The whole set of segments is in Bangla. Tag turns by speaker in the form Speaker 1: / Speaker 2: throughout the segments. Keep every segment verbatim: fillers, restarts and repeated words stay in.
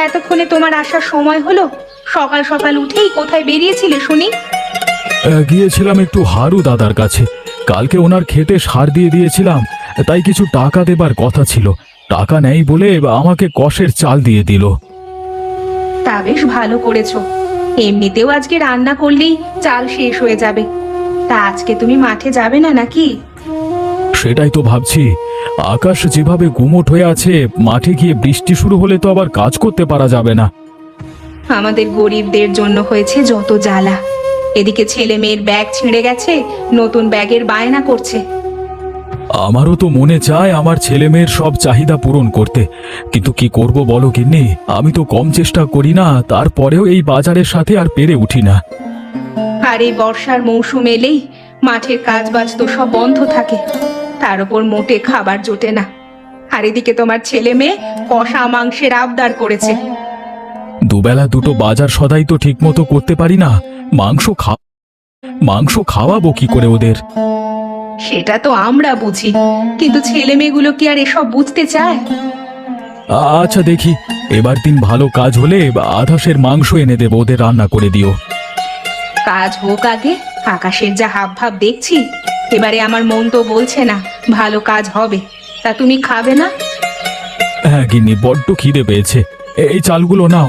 Speaker 1: এতক্ষণে তোমার আসার সময় হলো? সকাল সকাল উঠেই কোথায় বেরিয়েছিলে শুনি?
Speaker 2: আহ, গিয়েছিলাম একটু হারু দাদার কাছে। কালকে ওনার খেতে সার দিয়ে দিয়েছিলাম, তাই কিছু টাকা দেবার কথা ছিল। টাকা নেই বলে আমাকে কষের চাল দিয়ে দিল।
Speaker 1: তা বেশ ভালো করেছো। এমনিতেও আজকে রান্না করলেই চাল শেষ হয়ে যাবে। তা আজকে তুমি মাঠে যাবে না নাকি?
Speaker 2: সেটাই তো ভাবছি। আকাশ যেভাবে গুমোট হয়ে আছে, মাঠে গিয়ে বৃষ্টি শুরু হলে তো আবার কাজ করতে পারা যাবে না।
Speaker 1: আমাদের গরিবদের জন্য হয়েছে যত জ্বালা। এদিকে ছেলে মেয়ের ব্যাগ ছিঁড়ে গেছে, নতুন ব্যাগের বায়না করছে।
Speaker 2: আমারও তো মনে চায় আমার ছেলে মেয়ের সব চাহিদা পূরণ করতে, কিন্তু কি করব বলো গিন্নি? আমি তো কম চেষ্টা করি না, তারপরেও এই বাজারের সাথে আর পেরে উঠি না।
Speaker 1: আর এই বর্ষার মৌসুম এলেই মাঠের কাজবাজ তো সব বন্ধ থাকে, তার উপর মোটে খাবার জোটে না। আর এদিকে তোমার ছেলে মেয়ে কষা মাংসের আবদার করেছে।
Speaker 2: দুবেলা দুটো বাজার সদাই তো ঠিক মতো করতে পারি না। মাংস খা মাংস খাওয়াবো কি করে ওদের?
Speaker 1: সেটা তো আমরা বুঝি, কিন্তু ছেলে মেয়েগুলো কি আর এসব বুঝতে চায়?
Speaker 2: আচ্ছা দেখি, এবার দিন ভালো কাজ হলে আধাশের মাংস এনে দেবো, ওদের রান্না করে দিও।
Speaker 1: কাজ হোক আগে। আকাশের যা হাব ভাব দেখছি, এবারে আমার মন তো বলছে না ভালো কাজ হবে। তা তুমি খাবে না?
Speaker 2: হ্যাঁ গিন্নি, বড্ড খিদে পেয়েছে। এই চালগুলো নাও,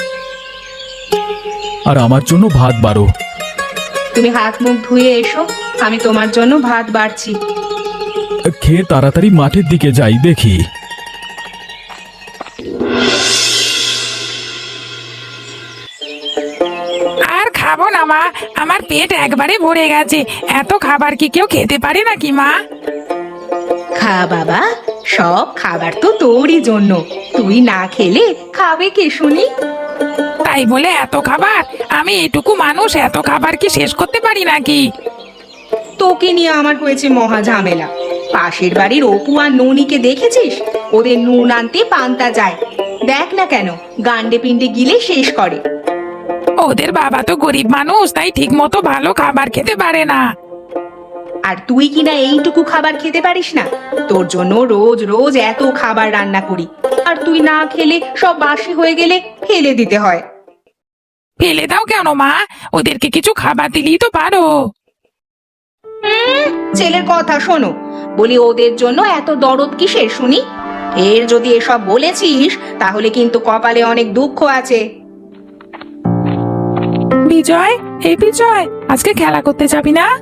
Speaker 2: আর আমার জন্য ভাত বাড়ো।
Speaker 1: তুমি হাত মুখ ধুয়ে এসো, আমি তোমার জন্য ভাত বাড়ছি।
Speaker 2: খেয়ে তাড়াতাড়ি মাঠের দিকে যাই দেখি।
Speaker 3: আর খাবো না মা, আমার পেট একবারে ভরে গেছে। এত খাবার কি কেউ খেতে পারে নাকি মা?
Speaker 1: খা বাবা, সব খাবার তো তোরই জন্য। তুই না খেলে খাবে কে শুনি?
Speaker 3: তাই বলে এত খাবার? আমি এটুকু মানুষ, এত খাবার কি শেষ করতে পারি নাকি?
Speaker 1: তোকে নিয়ে আমার হয়েছে মহা ঝামেলা। পাশের বাড়ির অপু আর ননিকে দেখেছিস? ওদের নুন আনতে পান্তা যায়। দেখ না কেন গান্ডে পিন্ডে গিলে শেষ করে।
Speaker 3: ওদের বাবা তো গরিব মানুষ, তাই ঠিক মতো ভালো খাবার খেতে পারে না।
Speaker 1: আর তুই কিনা এইটুকু খাবার খেতে পারিস না? তোর জন্য রোজ রোজ এত খাবার রান্না করি, আর তুই না খেলে সব বাসি হয়ে গেলে ফেলে দিতে হয়।
Speaker 3: ফেলে দাও কেন মা? ওদেরকে কিছু খাবার দিলেই তো পারো।
Speaker 1: হুম, ছেলের কথা শোনো। বলি ওদের জন্য এত দরদ কিসের শুনি? এর যদি এসব বলেছিস তাহলে কিন্তু কপালে অনেক দুঃখ আছে।
Speaker 3: বিজয়, এই বিজয়, আজকে খেলা করতে যাবি না?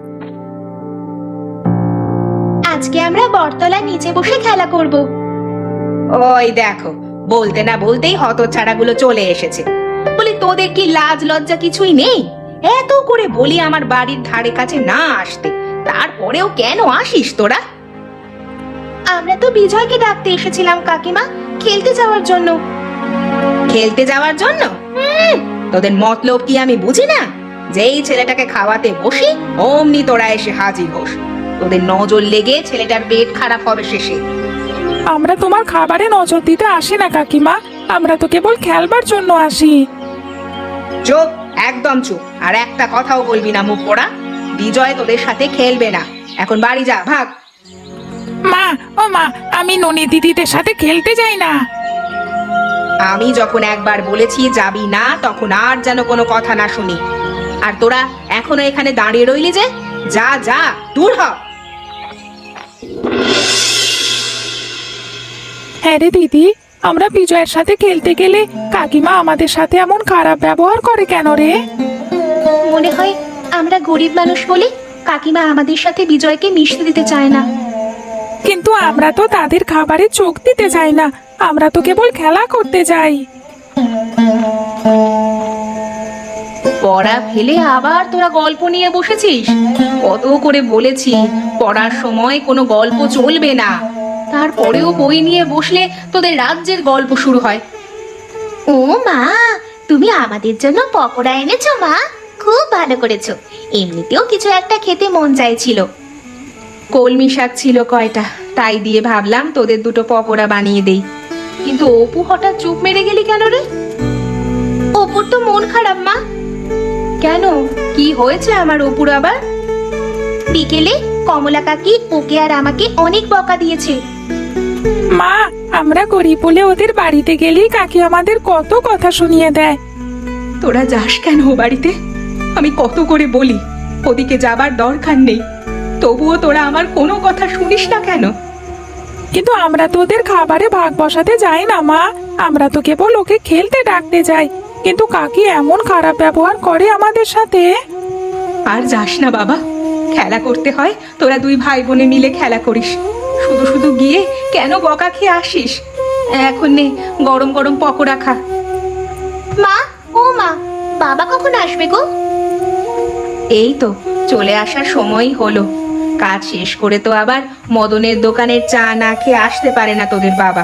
Speaker 1: আজকে আমরা বটতলার নিচে বসে খেলা করব। ওই দেখো, বলতে না বলতেই হতচ্ছাড়াগুলো চলে এসেছে। বলি তোদের কি লাজ লজ্জা কিছুই নেই? এত করে বলি আমার বাড়ির ধারে কাছে না আসতে, তারপরেও কেন আসিস তোরা? আমরা তো বিজয়কে ডাকতে এসেছিলাম কাকিমা, খেলতে যাওয়ার জন্য। খেলতে যাওয়ার জন্য? হুম, তোদের মতলব কি আমি বুঝি না? যেই ছেলেটাকে খাওয়াতে বসি অমনি তোরা এসে হাজির হোস। তোদের নজর লেগে ছেলেটার পেট খারাপ হবে শেষে।
Speaker 3: আমরা তোমার খাবারে নজর দিতে আসি না কাকিমা, আমরা তো কেবল খেলবার জন্য আসি।
Speaker 1: চুপ, একদম চুপ। আর একটা কথাও বলবি না মুখ পোড়া। বিজয় তোদের সাথে খেলবে না। এখন বাড়ি যা, ভাগ।
Speaker 3: মা, ও মা, আমি ননি দিদিদের সাথে খেলতে যাই না।
Speaker 1: আমি যখন একবার বলেছি যাবি না, তখন আর যেন কোনো কথা না শুনি। আর তোরা এখনো এখানে দাঁড়িয়ে রইলি যে? যা যা, দূর হ।
Speaker 3: হ্যাঁ রে দিদি, আমরা বিজয়ের সাথে খেলতে গেলে কাকিমা আমাদের সাথে এমন খারাপ ব্যবহার করে কেন রে?
Speaker 1: মনে হয় আমরা গরিব মানুষ বলে কাকিমা আমাদের সাথে বিজয়কে মিশতে দিতে চায় না।
Speaker 3: কিন্তু আমরা তো তাদের খাবারে চোখ দিতে যাই না, আমরা তো কেবল খেলা করতে যাই।
Speaker 1: পড়া ফেলে আবার তোরা গল্প নিয়ে বসেছিস? কত করে বলেছি পড়ার সময় কোনো গল্প চলবে না, তারপরেও বই নিয়ে বসলে তোদের রাজ্যের গল্প শুরু হয়।
Speaker 4: ও মা, তুমি আমাদের জন্য পকোড়া এনেছো মা? খুব ভালো করেছো। এমনিতেও কিছু একটা খেতে মন চাইছিল।
Speaker 1: কলমি শাক ছিল কয়টা, তাই দিয়ে ভাবলাম তোদের দুটো পকোড়া বানিয়ে দেই। কিন্তু অপু হঠাৎ চুপ মেরে গেলি কেন রে?
Speaker 4: অপুর তো মন খারাপ মা।
Speaker 1: কেন, কি হয়েছে আমার অপুর আবার?
Speaker 4: বিকেলে কমলা কাকি ওকে আর আমাকে অনেক বকা দিয়েছে।
Speaker 3: মা, আমরা গরিব বলে ওদের বাড়িতে গেলেই কাকি আমাদের কত কথা শুনিয়ে দেয়।
Speaker 1: তোরা যাস কেন ও বাড়িতে? আমি কত করে বলি ওদিকে যাবার দরকার নেই, তবুও তোরা আমার কোনো কথা শুনিস না কেন?
Speaker 3: কিন্তু আমরা তো ওদের খাবারে ভাগ বসাতে যাই না মা, আমরা তো কেবল ওকে খেলতে ডাকতে যাই, কিন্তু কাকি এমন খারাপ ব্যবহার করে আমাদের সাথে।
Speaker 1: আর যাস না বাবা, খেলা করতে হয় তোরা দুই ভাই বোনে মিলে খেলা করিস, শুধু শুধু গিয়ে কেন বকা খেয়ে আসিস? এখন নে গরম গরম পকোড়া খা।
Speaker 4: মা, ও মা, বাবা কখন আসবে গো?
Speaker 1: এই তো চলে আসার সময়ই হলো। কাজ শেষ করে তো আবার মদনের দোকানের চা না খেয়ে আসতে পারে না তোদের বাবা।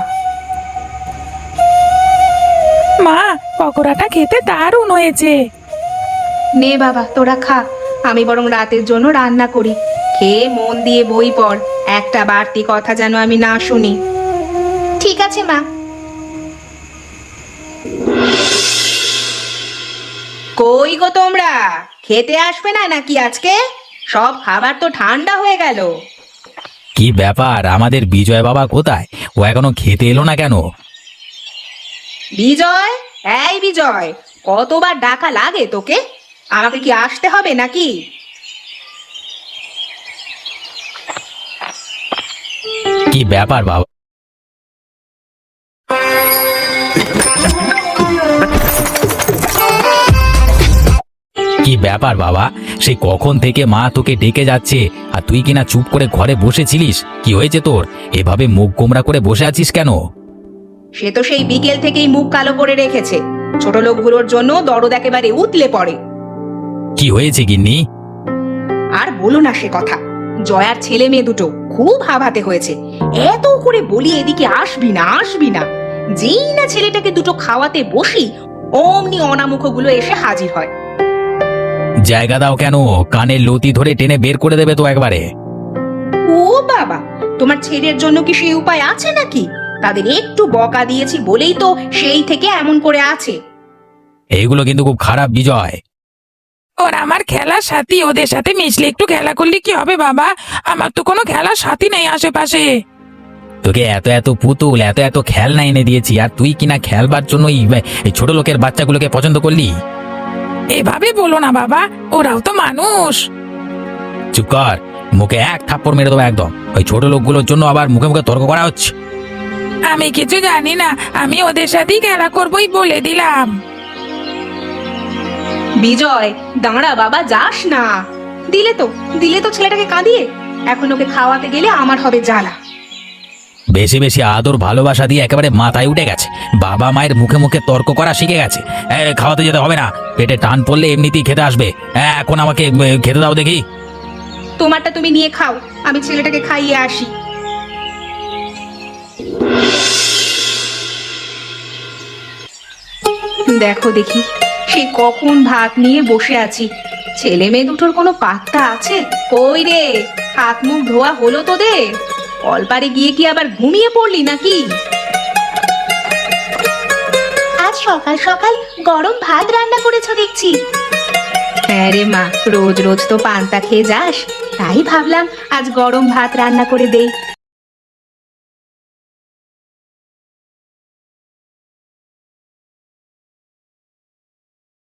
Speaker 3: মা, পকোড়াটা খেতে দারুণ হয়েছে।
Speaker 1: নে বাবা তোরা খা, আমি বরং রাতের জন্য রান্না করি। খেয়ে মন দিয়ে বই পড়, একটা বাড়তি কথা যেন আমি না শুনি।
Speaker 4: ঠিক আছে মা।
Speaker 1: কই গো তোমরা, খেতে আসবে না নাকি আজকে? সব খাবার তো ঠান্ডা হয়ে গেল।
Speaker 5: কি ব্যাপার, আমাদের বিজয় বাবা কোথায়? ও এখনো খেতে এলো না কেন?
Speaker 1: বিজয়, এই বিজয়, কতবার ডাকা লাগে তোকে? আমাকে কি আসতে হবে নাকি?
Speaker 5: কি ব্যাপার বাবা? কি ব্যাপার বাবা, সেই কখন থেকে মা তোকে ডেকে যাচ্ছে আর তুই কিনা চুপ করে ঘরে বসেছিলিস? কি হয়েছে তোর? এভাবে মুখ গোমরা করে বসে আছিস কেন?
Speaker 1: সে তো সেই বিকেল থেকেই মুখ কালো করে রেখেছে। ছোট লোকগুলোর জন্য দরদ একেবারে উতলে পড়ে।
Speaker 5: কি হয়েছে গিন্নি?
Speaker 1: আর বলো না সে কথা। জয়ার ছেলে মেয়ে দুটো খুব হাবাতে হয়েছে। এত করে বলি এদিকে আসবি না আসবি না, যেই না ছেলেটাকে দুটো খাওয়াতে বসি অমনি অনামুখগুলো এসে হাজির হয়।
Speaker 5: জায়গা দাও কেন? কানের লতি ধরে টেনে বের করে দেবে তো একবারে।
Speaker 1: ও বাবা, তোমার ছেলের জন্য কি সেই উপায় আছে নাকি? তাদের একটু বকা দিয়েছি বলেই তো সেই থেকে এমন করে আছে।
Speaker 5: এইগুলো কিন্তু খুব খারাপ বিজয়।
Speaker 3: ওরা আমার খেলার সাথী, ওদের সাথে মিশলে একটু খেলা করলে কি হবে বাবা? আমার তো কোনো খেলার সাথী নেই আশেপাশে।
Speaker 5: তোকে এত এত পুতুল, এত এত খেলনা এনে দিয়েছি, আর তুই কিনা খেলবার জন্য এই ছোট লোকের বাচ্চাগুলোকে পছন্দ করলি?
Speaker 3: এভাবে বলো না বাবা, ওরাও তো মানুষ।
Speaker 5: চুপ কর, মুখে এক থাপ্পড় মেরে দেবো একদম। ওই ছোট লোকগুলোর জন্য আবার মুখে মুখে তর্ক করা হচ্ছে।
Speaker 3: আমি কিছু জানি না, আমি ওদের সাথেই খেলা করবোই বলে দিলাম।
Speaker 1: বিজয় দাঁড়া বাবা, যাস না। দিলে তো দিলে তো ছেলেটাকে কাঁদিয়ে। এখন ওকে খাওয়াতে গেলে আমার হবে জ্বালা।
Speaker 5: বেশি বেশি আদর ভালোবাসা দিয়ে একেবারে মাথায় উঠে গেছে। বাবা মায়ের মুখে মুখে তর্ক করা শিখে গেছে। এ, খাওয়াতে যেতে হবে না, পেটে টান পড়লে এমনিতেই খেতে আসবে। এ, এখন আমাকে এ, খেতে দাও দেখি।
Speaker 1: তোমারটা তুমি নিয়ে খাও, আমি ছেলেটাকে খাইয়ে আসি। দেখো দেখি, সেই কখন ভাত নিয়ে বসে আছি, ছেলে মেয়ে দুটোর কোনো পাত্তা আছে? কই রে, হাত মুখ ধোয়া হলো তোদের? কলপারে গিয়ে কি আবার ঘুমিয়ে পড়লি নাকি?
Speaker 4: আজ সকাল সকাল গরম ভাত রান্না করেছো দেখছি।
Speaker 1: হ্যাঁ রে মা, রোজ রোজ তো পান্তা খেয়ে যাস, তাই ভাবলাম আজ গরম ভাত রান্না করে দেই।